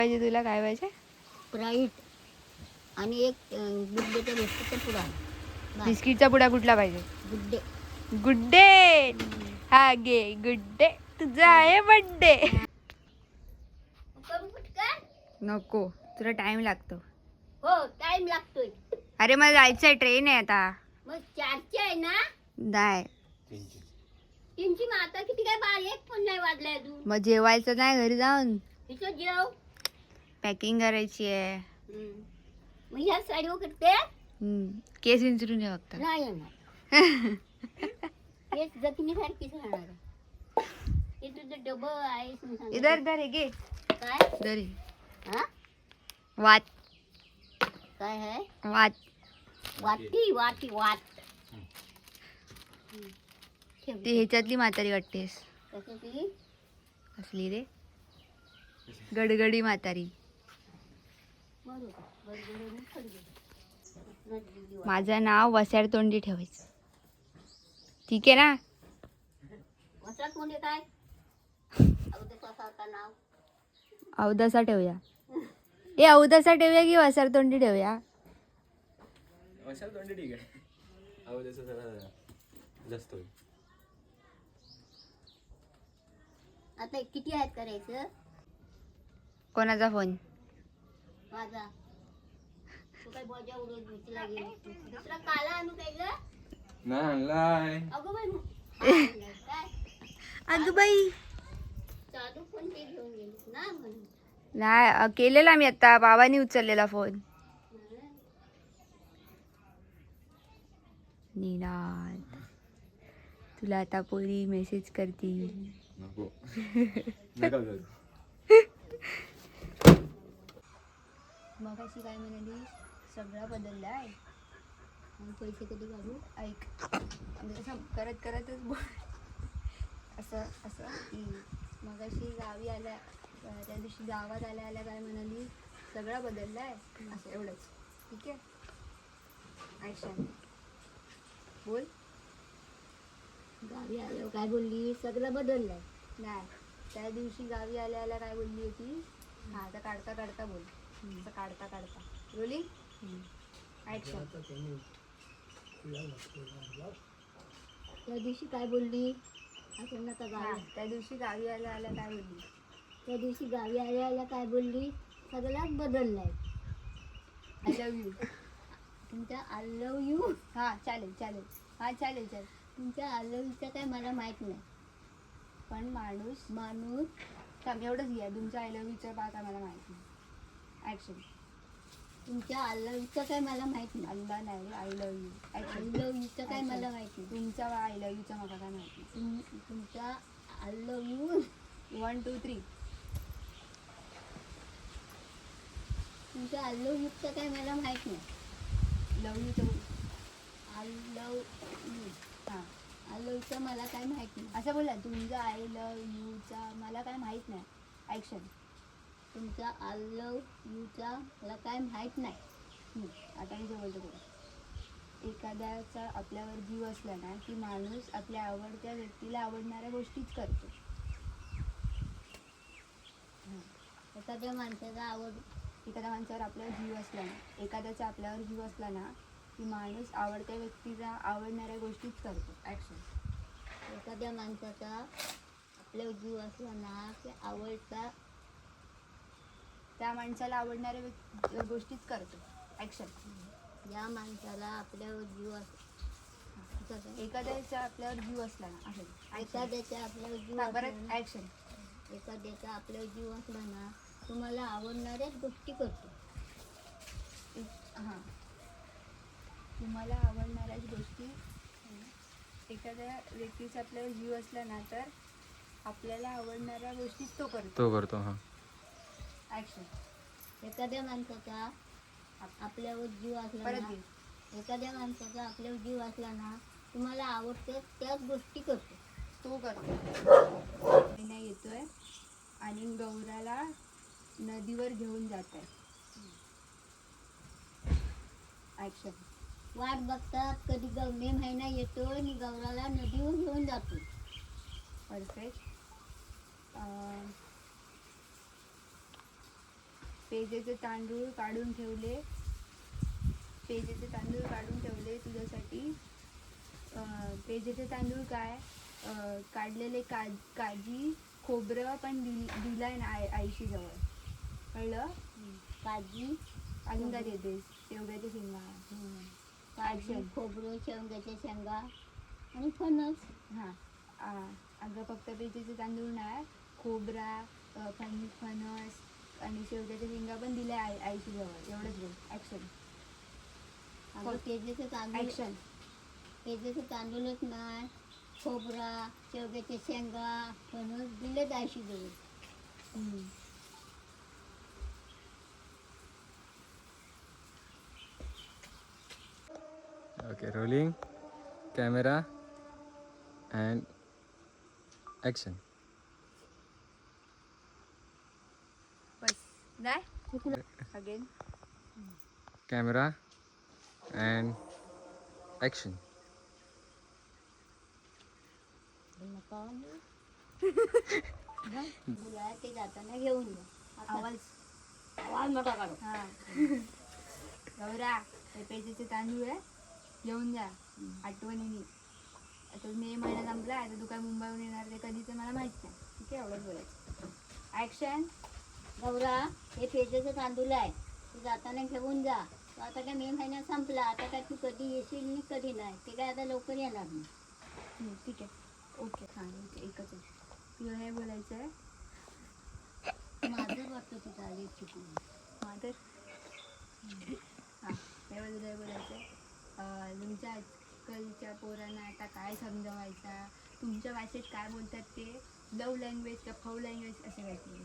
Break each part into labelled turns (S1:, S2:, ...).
S1: पाहिजे तुला? काय पाहिजे?
S2: स्प्राईट आणि एक गुड्डेचा बिस्किटचा पुडा.
S1: बिस्किटचा पुडा कुठला पाहिजे?
S2: गुड्डे.
S1: गुड्डे. हा घे गुड्डे, तुझा आहे बर्थडे. नको, तुला टाइम लागतो.
S2: हो टाइम लागतोय.
S1: अरे मला जायचंय, ट्रेन आहे आता.
S2: मग 4ची आहे ना?
S1: नाही
S2: 3ची. मग आता किती काय? 1 पण नाही वाजलाय अजून.
S1: मग जेवायचं नाही घरी जाऊन?
S2: इथं जेव.
S1: पॅकिंग करायची आहे.
S2: मग ह्या साडीवर करते.
S1: केस विंचरून ये फक्त.
S2: नाही येणार. हेच जखमीसारखीच राहणार आहे. हे तुझं डबं आहे.
S1: इधर धर घे.
S2: काय
S1: धरी
S2: हा?
S1: वाट.
S2: काय आहे?
S1: वाट.
S2: वाटी वाटी वाट.
S1: ती ह्याच्यातली म्हातारी वाटतेस.
S2: कशाची?
S1: असली रे गडगडी म्हातारी. माझं नाव वस्याड तोंडी ठेवायचं, ठीक आहे ना?
S2: वसाड म्हणजे काय? नाव
S1: अवदसा ठेवूया. ए अवदसा ठेवूया की वसाड तोंडी ठेवूया?
S3: वसाड तोंडी ठीक आहे. अवदसा जरा जास्त होईल.
S2: आता किती आहेत करायचं?
S1: कोणाचा फोन?
S2: माझा. तू काय बोजा उडवत भीतीला गेली? दुसरा काला आणू काय ग?
S3: नाही आणलाय.
S2: अगं बाई काय?
S1: अगं बाई
S2: चालू फोन ते घेऊन गेली ना म्हणून.
S1: नाही केलेला मी आता, बाबांनी उचललेला फोन. निनाद तुला आता पोरी मेसेज करतील.
S3: नको नका करू.
S1: मग अशी काय म्हणाली? सगळं बदललं आहे.
S2: मग पैसे कधी काढू?
S1: ऐक, म्हणजे असं करत करतच बोल. असं असं की मग अशी गावी आल्या, त्या दिवशी गावात आल्या आल्या काय म्हणाली? सगळं बदललं आहे. असं एवढंच, ठीक आहे? ॲक्शन बोल.
S2: गावी आल्यावर काय बोलली? सगळं बदललंय.
S1: नाही, त्या दिवशी गावी आल्या आल्या काय बोलली होती? हा आता काढता काढता बोल. असं काढता काढता रोलिंग ॲक्शन.
S2: त्या दिवशी काय बोलली? असं नका गावी.
S1: त्या दिवशी गावी आल्या आल्या काय बोलली?
S2: त्या दिवशी गावी आल्या आल्या काय बोलली? सगळ्यात बदललाय.
S1: I love you.
S2: तुमच्या आय लव्ह यू.
S1: हां चालेल चालेल. हां चालेल चालेल.
S2: तुमच्या आय लव्ह यूचं काय मला माहित नाही.
S1: पण माणूस
S2: माणूस
S1: थांब एवढंच घ्या. तुमच्या आय लव्ह यूचं बात आम्हाला माहिती नाही. ॲक्शन.
S2: तुमच्या आय लव्ह यूचं काय मला माहित नाही.
S1: अल्ला नाही, I love you.
S2: I love यूचं काय मला माहित नाही.
S1: तुमचा आय लव्ह यूचा मला काय माहिती.
S2: तुमच्या आय लव्ह यू
S1: 1 2 3.
S2: तुमच्या आय लव्ह यूचं काय मला माहित नाही.
S1: लव्ह यू तर
S2: आय लव्ह यू.
S1: हां
S2: आय लव्ह यूचं मला काय माहित नाही.
S1: असं बोला. तुमचा आय लव्ह यूचा मला काय माहीत नाही. ॲक्शन.
S2: तुमच्या आय लव्ह यूचा मला काय माहित नाही.
S1: आता मी जे बोलतो बघा. एखाद्याचा आपल्यावर जीव असला ना की माणूस आपल्या आवडत्या व्यक्तीला आवडणाऱ्या गोष्टीच करतो.
S2: एखाद्या माणसाचा
S1: एखाद्या माणसावर आपल्यावर जीव असला ना, एखाद्याचा आपल्यावर जीव असला ना की माणूस आवडत्या व्यक्तीला आवडणाऱ्या गोष्टीच करतो. ॲक्शन.
S2: एखाद्या माणसाचा आपल्यावर जीव असला ना की आवडता
S1: त्या माणसाला आवडणाऱ्या गोष्टीच करतो. ॲक्शन.
S2: या माणसाला आपल्यावर जीव
S1: एखाद्याचा आपल्यावर जीव असला ना आहे.
S2: एखाद्याचा आपल्यावर जीव
S1: परत ॲक्शन.
S2: एखाद्याचा आपल्यावर जीव असला ना तुम्हाला आवडणाऱ्याच गोष्टी करतो.
S1: हां तुम्हाला आवडणाऱ्याच गोष्टी. एखाद्या व्यक्तीचा आपल्यावर जीव असला ना तर आपल्याला आवडणाऱ्या गोष्टीच तो करतो.
S3: हां.
S1: ॲक्शन.
S2: एखाद्या माणसाचा आपल्यावर जीव असला
S1: परत
S2: ना
S1: घे.
S2: एखाद्या माणसाचा आपल्यावर जीव असला ना तुम्हाला आवडते त्याच गोष्टी करतो.
S1: तो करतो. महिना येतोय आणि गौराला नदीवर घेऊन जात आहे. ॲक्शन.
S2: वाट बघतात कधी मे महिना येतो आणि गौराला नदीवर घेऊन जातो.
S1: परफेक्ट. पेजेचे तांदूळ काढून ठेवले तुझ्यासाठी. पेजेचे तांदूळ काय, काढलेले काजी खोबरं पण दिलाय ना आईशी जवळ, कळलं.
S2: काजी
S1: अजून काय देतेस, शेवग्याच्या शेंगा.
S2: काजी खोबरं शेवग्याच्या शेंगा आणि फणस.
S1: हां अगं फक्त पेजेचे तांदूळ नाही, खोबरा फणस आणि शेवग्याच्या शेंगा पण दिल्या आईशी जवळ. एवढंच बोल. ॲक्शन.
S2: अगं पेजेचे तांदूळ,
S1: ॲक्शन.
S2: पेजेचे तांदूळच नाही, खोबरा शेवग्याच्या शेंगा फणस दिले आईशी जवळ.
S3: Okay, rolling camera and action.
S1: बस नाही अगेन.
S3: Camera and action.
S2: मुला ते जाताना घेऊन जा.
S1: आवाज
S2: आवाज मोठा काढू.
S1: हां गौरा, हे पेजेचे तांदूळ आहे, घेऊन जा आठवणीने. आता मे महिना संपला, आता तू काय मुंबईहून येणार ते कधीचं मला माहीत नाही. ठीक आहे, एवढंच बोलायचं. ॲक्शन.
S2: गौरा, हे पेजेचं तांदूळ आहे, तू जाताना घेऊन जा. तो आता काय मे महिना संपला, आता काय तू कधी येशील आणि कधी नाही, ते काय आता लवकर येणार नाही.
S1: ठीक आहे. ओके हां एकच आहे. तुला हे बोलायचं आहे
S2: माझं वाटतं तुझं आली चुकून.
S1: तर हां हे बोलायचं आहे, तुमच्या आजकालच्या पोरांना आता काय समजवायचा, तुमच्या भाषेत काय बोलतात ते, लव लँग्वेज का फव लँग्वेज असं काहीतरी.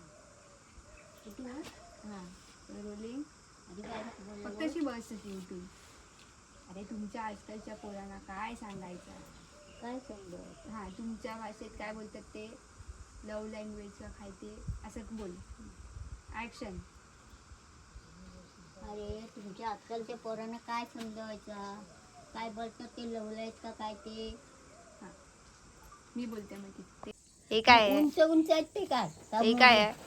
S1: हां रोलिंग.
S2: आधी काय
S1: फक्त
S2: बोललो?
S1: अशी बस अशी उठून. अरे तुमच्या आजकालच्या पोरांना काय सांगायचं.
S2: काय समजावं?
S1: हां तुमच्या भाषेत काय बोलतात ते, लव लँग्वेज का काय ते असं बोल. ॲक्शन.
S2: अरे तुमच्या आजकालच्या पोरांना काय समजावायचा, काय बोलतात ते लवलायत का काय ते.
S1: हां मी बोलते मग ते. हे काय आहे,
S2: उंच उंच आहेत ते काय.
S1: हे काय आहे.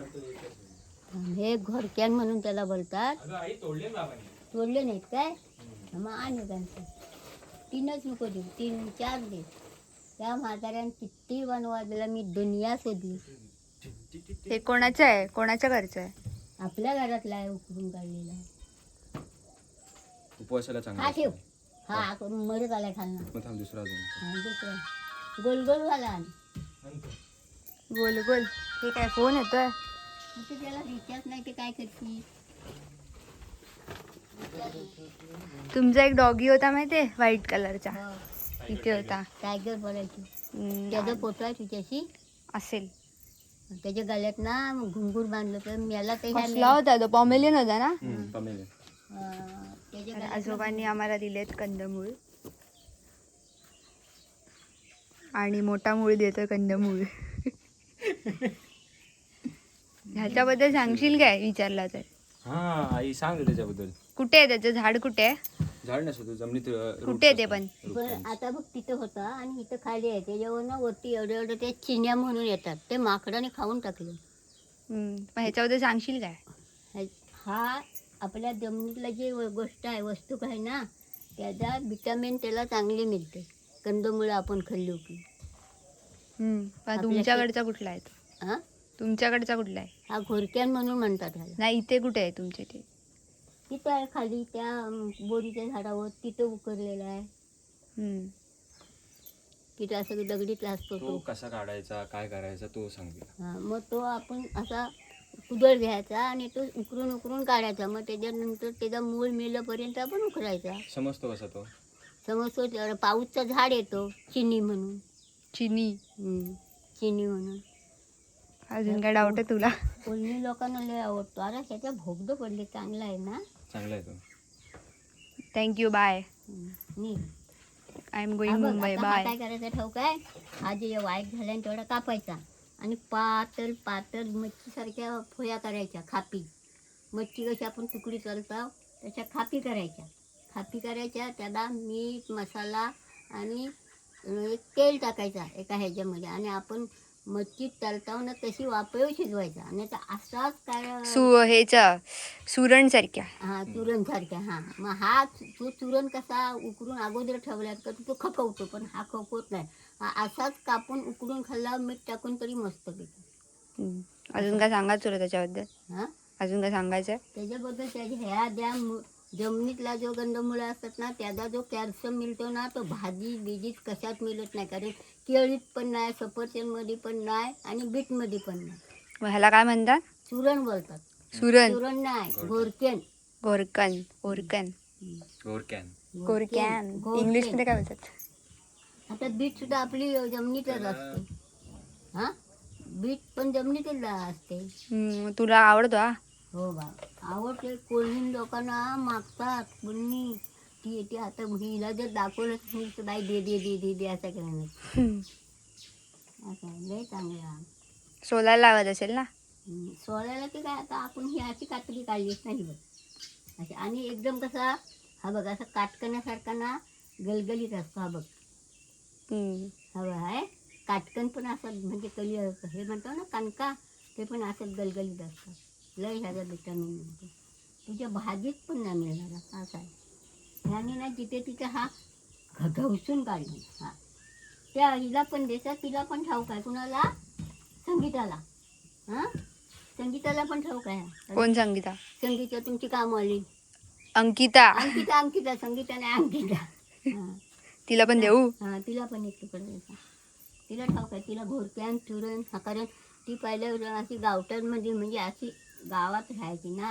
S2: हे घोरक्यान म्हणून त्याला बोलतात. तोडले नाहीत काय, मग आणि त्यांचं 3च नको देऊ, 3 4 दे. त्या म्हाताऱ्यानं किती बनवायला मी दुनिया शोधली.
S1: हे कोणाचं आहे, कोणाच्या घरचं आहे.
S2: आपल्या घरातला आहे, उकरून काढलेला आहे.
S3: उपवासाला चांगला
S2: हा ठेव.
S3: असतो.
S2: हा मरत आलाय खालना.
S3: मग थांब दुसरा अजून.
S2: हा, दुसरा गोल गोल झाला.
S1: गोल गोल. हे काय फोन येतोय.
S2: मग ते त्याला रिचार्ज नाही ते काय करते.
S1: तुमचा एक डॉगी होता माहितीये, व्हाईट कलरचा,
S2: हो,
S1: इथे होता.
S2: टायगर बोलायची. त्याचा फोटो आहे तुझ्याशी.
S1: असेल.
S2: त्याच्या गळ्यात ना घुंगूर बांधलं तर मला ते
S1: कसला होता तो, पॉमेलियन होता ना.
S3: कमी
S2: त्याच्या
S1: तर
S2: गळ्यात
S1: आजोबांनी आम्हाला दिलेत कंदमूळ, आणि मोठा मूळ देतोय कंदमूळ. ह्याच्याबद्दल सांगशील काय, विचारला तर.
S3: हा आई सांग त्याच्याबद्दल.
S1: कुठे आहे त्याचं झाड, कुठे आहे.
S3: झाड नसतो जमिनीत.
S1: कुठे आहे ते पण.
S2: पण आता बघ तिथं होता आणि इथं खाली आहे. त्याच्यावर ना वरती एवढे एवढे ते चिन्या म्हणून येतात, ते माकडाने खाऊन टाकले.
S1: पण ह्याच्याबद्दल सांगशील काय.
S2: हा आपल्या जमिनीतला जी गोष्ट आहे, वस्तू आहे ना, त्याचा विटॅमिन त्याला चांगले मिळते. कंदमुळं आपण खाल्ली की.
S1: पण तुमच्याकडचा कुठला आहे तो.
S2: हा
S1: तुमच्याकडचा कुठला आहे.
S2: हा घोरक्यान म्हणून म्हणतात ह्याला.
S1: नाही इथे कुठे आहे तुमच्या इथे.
S2: तिथं आहे खाली त्या बोरीच्या झाडावर, तिथं उकरलेला आहे. तिथं असं दगडीत असतो
S3: तो
S2: तो.
S3: कसा काढायचा, काय करायचा तो सांग.
S2: हा मग तो आपण असा कुदळ घ्यायचा आणि तो उकरून उकरून काढायचा. मग त्याच्यानंतर त्याचा मूळ मेल्यापर्यंत आपण उकरायचा.
S3: समजतो कसा तो.
S2: समजतो. पाऊसचं झाड येतो चिनी म्हणून.
S1: चिनी.
S2: चिनी म्हणून.
S1: अजून काय डाऊट आहे तुला.
S2: कोणी लोकांना लय आवडतो. अरे त्याच्या भोगदं पडले, चांगला आहे ना.
S3: चांगला आहे तो.
S1: Thank you, bye.
S2: नी
S1: I am going Mumbai, bye.
S2: काय करायचं ठाऊक आहे. हा जे वाईट झाल्याने तेवढा कापायचा आणि पातळ पातळ मच्छीसारख्या फोया करायच्या, खापी. मच्छी कशी आपण तुकडी करतो तशा खापी करायच्या. खापी करायच्या, त्याला मीठ मसाला आणि एक तेल टाकायचा एका ह्याच्यामध्ये, आणि आपण मच्छी तळतावना तशी वापरून शिजवायचा आणि आता असाच काय
S1: ह्याचा सुरण सारख्या.
S2: हा चुरण सारख्या. हा मग हा तो चुरण कसा उकडून अगोदर ठेवल्यात का तो खपवतो, पण हा खपवत नाही. हा असाच कापून उकडून खाल्ला मीठ टाकून तरी मस्त पैकी.
S1: अजून काय सांगायचं तुला त्याच्याबद्दल?
S2: हा
S1: अजून काय सांगायचं?
S2: त्याच्याबद्दल त्याच्या ह्या ज्या जमिनीतला जो गंधमुळं असतात ना त्याचा जो कॅल्शियम मिळतो ना तो भाजी बिजीत कशात मिळत नाही. कारण केळीत पण नाही, सफरचंदमध्ये पण नाही आणि बीटमध्ये पण नाही.
S1: मग ह्याला काय म्हणतात?
S2: चुरण बोलतात.
S1: सुरण.
S2: चुरण नाही, घोरकेन.
S1: घोरकन. घोरकन.
S3: गोरकॅन.
S1: घोरकॅन. इंग्लिश मध्ये काय बोलतात?
S2: आता बीट सुद्धा आपली जमिनीतच असते. हा बीट पण जमिनीतच असते.
S1: तुला आवडतो हा?
S2: हो बा आवडते. कोणी लोकांना मागतात कोणी ती येते. आता हिला जर दाखवलं तर बाई दे दे दे दे दे असं करणार. असं लय चांगला
S1: सोलायला लागत असेल ना?
S2: सोळ्याला की काय आता आपण ही अशी कातडी काढलीच नाही बघ अशी. आणि एकदम कसा हा बघ असा काटकण्यासारखा ना गलगलीत असतो. हा बघ हा बघ आहे काटकन पण असं म्हणजे कली हे म्हणतो ना कणका ते पण असं गलगलीत असतात. लय ह्याचा विटामिन मिळतो. तुझ्या भाजीत पण नाही मिळणार असं आहे. ह्याने ना जिथे तिथे हा घवसून काढली. हा त्या हिला पण देतात. तिला पण ठाऊक आहे. कुणाला? संगीताला. हां संगीताला पण ठाऊक आहे.
S1: कोण संगीता?
S2: संगीता तुमची कामवाली
S1: अंकिता.
S2: अंकिता. अंकिता संगीता नाही अंकिता. हां
S1: तिला पण देऊ?
S2: हां तिला पण एक तुकडा द्यायचा. तिला ठाऊक आहे. तिला घोरक्यान चुरण हा कारण ती पहिल्या अशी गावठांमध्ये म्हणजे अशी गावात राहायची ना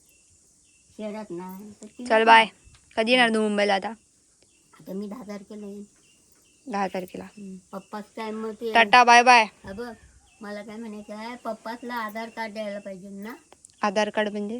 S2: शहरात नाही. तर तिला
S1: चल
S2: पण-
S1: बाय. कधी येणार तू मुंबईला आता?
S2: आता मी 10 तारखेला येईन.
S1: 10 तारखेला.
S2: पप्पाच काय मग ते
S1: टाटा बाय बाय.
S2: हा बघ मला काय म्हणायचं आहे पप्पासला आधार कार्ड द्यायला पाहिजे ना.
S1: आधार कार्ड म्हणजे?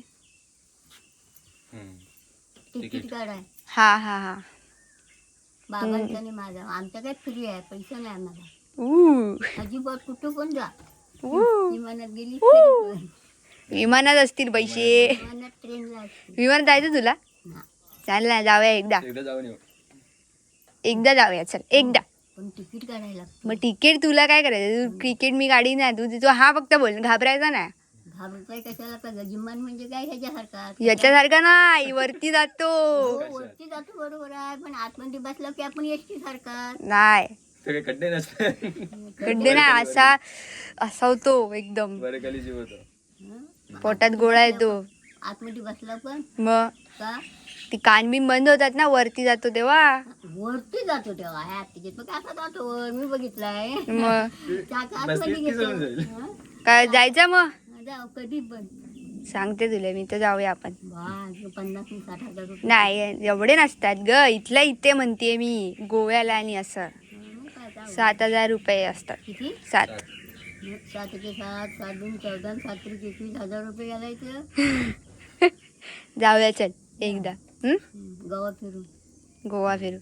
S2: तिकीट कार्ड आहे
S1: हा हा हा.
S2: बाबांचा आणि माझा. आमचा काय फ्री आहे, पैसा नाही आम्हाला. अजिबात कुठं पण जा. विमानात गेली
S1: विमानात असतील पैसे.
S2: विमानात ट्रेनला असते.
S1: विमानात जायचं तुला?
S2: ना.
S1: चाल ना जाऊया एकदा.
S3: एकदा जाऊन येऊ.
S1: एकदा जाऊया चल एकदा.
S2: पण तिकीट काढायला लागतं.
S1: मग तिकीट तुला काय करायचं? तू तिकीट मी गाडी नाही. तू हा फक्त बोल, घाबरायचा नाही.
S2: घाबरताय कशाला का विमान म्हणजे काय ह्याच्यासारखा
S1: याच्यासारखा नाही, वरती जातो.
S2: हो, वरती जातो बरोबर आहे. पण आतमध्ये बसलं की आपण एसटी सारखा
S1: नाही
S3: सगळे खड्डे नसते.
S1: खड्डे नाही, असा होतो एकदम.
S3: बरे खाली जीव होतो.
S1: पोटात गोळा येतो.
S2: आतमध्ये बसला पण
S1: मग
S2: का
S1: ती कान बिन बंद होतात ना वरती जातो तेव्हा.
S2: वरती जातो तेव्हा ह्या तिकीट मग कसा जातो वर मी बघितलाय.
S1: मग
S2: चाका
S3: बस
S2: आतमध्ये
S3: इतकी जवळ
S2: घेतो.
S3: जाईल.
S2: हं?
S1: काय जायचं मग?
S2: जाऊ कधी पण
S1: सांगते तुला मी, तर जाऊया आपण.
S2: बा 50,000-60,000 रुपये.
S1: नाही एवढे नसतात ग. इथल्या इथे म्हणते मी गोव्याला. आणि असं
S2: मग काय जाऊ.
S1: 7,000 रुपये असतात.
S2: किती
S1: 7.
S2: 7 × 7 7 × 14 7 × 21,000 रुपये घालायचं.
S1: जाऊया चल एकदा.
S2: गोवा फिरून
S1: गोवा फिरू.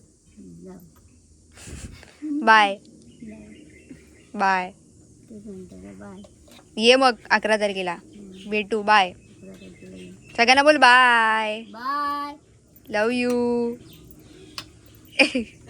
S2: जाऊ.
S1: Bye bye.
S2: तेच म्हणतो बाय.
S1: ये मग 11 तारखेला भेटू. बाय.
S2: 11 तारखेला ये.
S1: सगळ्यांना बोल बाय.
S2: बाय.
S1: Love you.